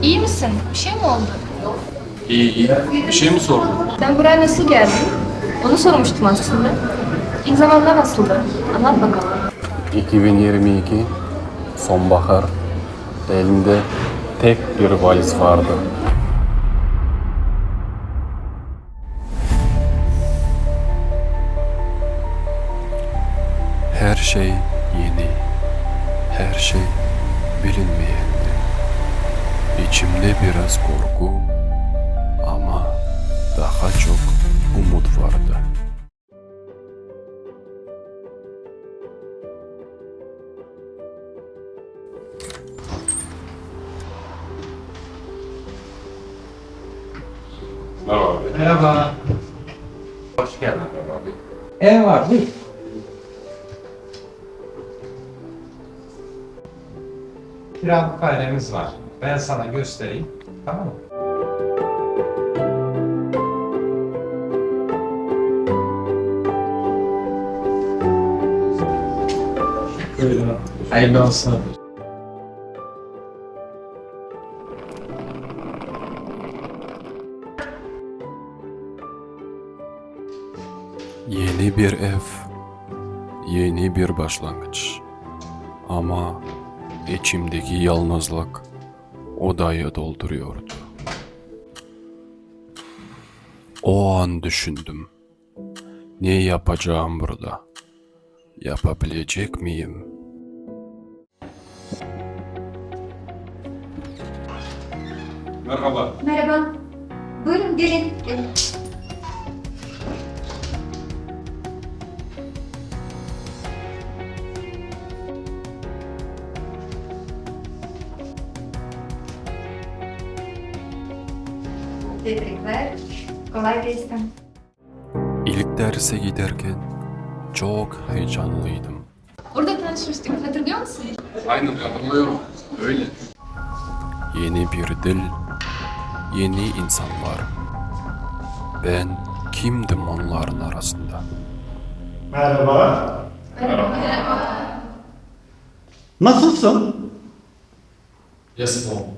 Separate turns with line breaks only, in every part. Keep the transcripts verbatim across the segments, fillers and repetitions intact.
İyi misin? Bir şey mi oldu?
İyi iyi. Bir şey mi sordun?
Sen buraya nasıl geldin? Onu sormuştum aslında. İlk zamanlar nasıldı? Anlat bakalım.
iki bin yirmi iki sonbahar. Elimde tek bir valiz vardı. Her şey yeni. Her şey bilinmeyendi. İçimde biraz korku ama daha çok umut vardı. Merhaba abi.
Merhaba.
Hoş geldin abi.
Ev var, buyur. Kiralık dairemiz var. Ben sana göstereyim. Tamam mı? Hayırlı olsun.
Yeni bir ev, yeni bir başlangıç. Ama içimdeki yalnızlık odayı dolduruyordu. O an düşündüm. Ne yapacağım burada? Yapabilecek miyim? Merhaba.
Merhaba. Buyurun gelin. gelin. Tebrikler. Kolay gelsin.
İlk derse giderken çok heyecanlıydım.
Orada tanışmıştık. Hatırlıyor musun?
Aynen hatırlıyorum. Öyle. Yeni bir dil, yeni insanlar. Ben kimdim onların arasında?
Merhaba. Nasılsın?
Yes, mom.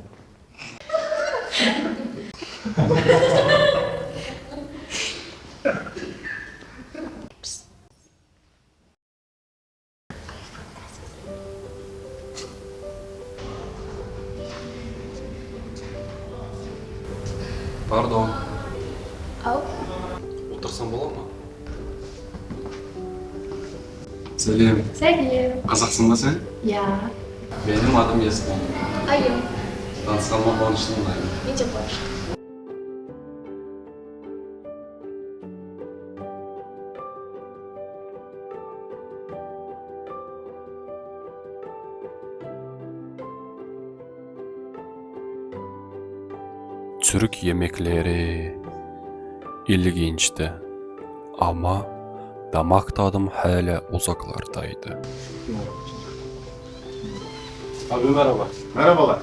Pardon.
Al.
Otursam olur mu? Selim.
Sevgilim.
Kazaksın da sen?
Ya.
Benim adım Yasmin.
Ayım.
Tanıştırma konuştuğumdayım.
İyice boş.
Türk yemekleri ilginçti ama damak tadım hala uzaklardaydı. Abi merhaba.
Merhabalar.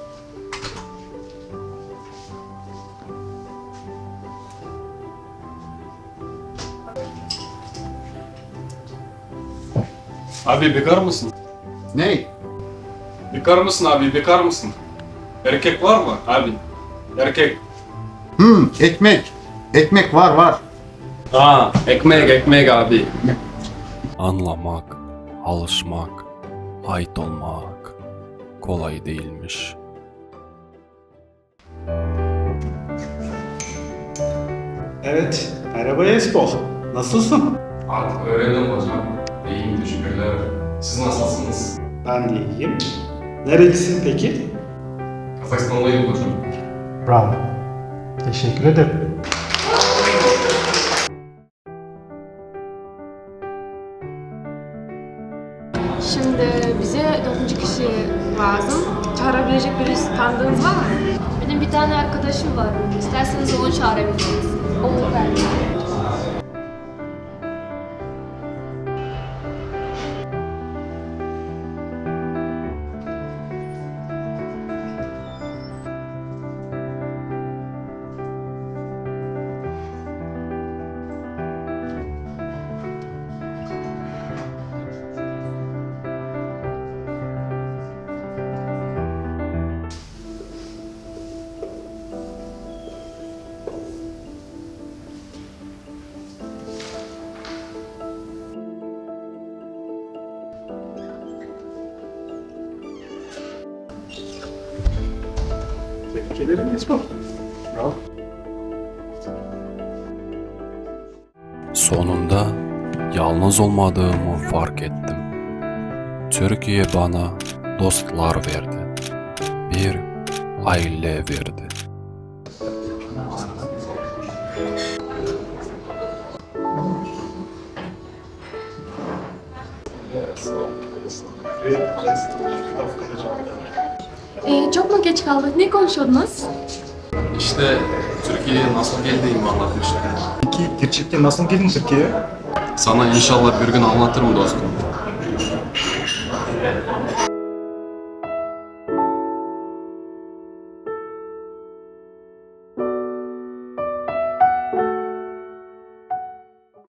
Abi bekar mısın?
Ney?
Bekar mısın abi bekar mısın? Erkek var mı abi? Erkek.
Hmm, ekmek. Ekmek var var.
Aa, ekmek ekmek abi. Anlamak, alışmak, ait olmak kolay değilmiş.
Evet. Merhaba Esbol. Nasılsın?
Artık öğrendim hocam. İyiyim teşekkürler. Siz nasılsınız?
Ben de iyiyim. Nerelisin peki?
Kazakistanlıyım hocam.
Bravo. Teşekkür ederim.
Şimdi bize dördüncü kişi lazım. Çağırabilecek birisi tanıdığınız var mı?
Benim bir tane arkadaşım var. İsterseniz onu çağırabiliriz. Olur belki.
Sonunda yalnız olmadığımı fark ettim. Türkiye bana dostlar verdi. Bir aile verdi.
Ee, çok mu geç kaldık? Ne konuşuyordunuz?
İşte Türkiye'ye nasıl geldiğimi anlatmıştım.
Peki gerçekten nasıl geldin Türkiye'ye?
Sana inşallah bir gün anlatırım dostum.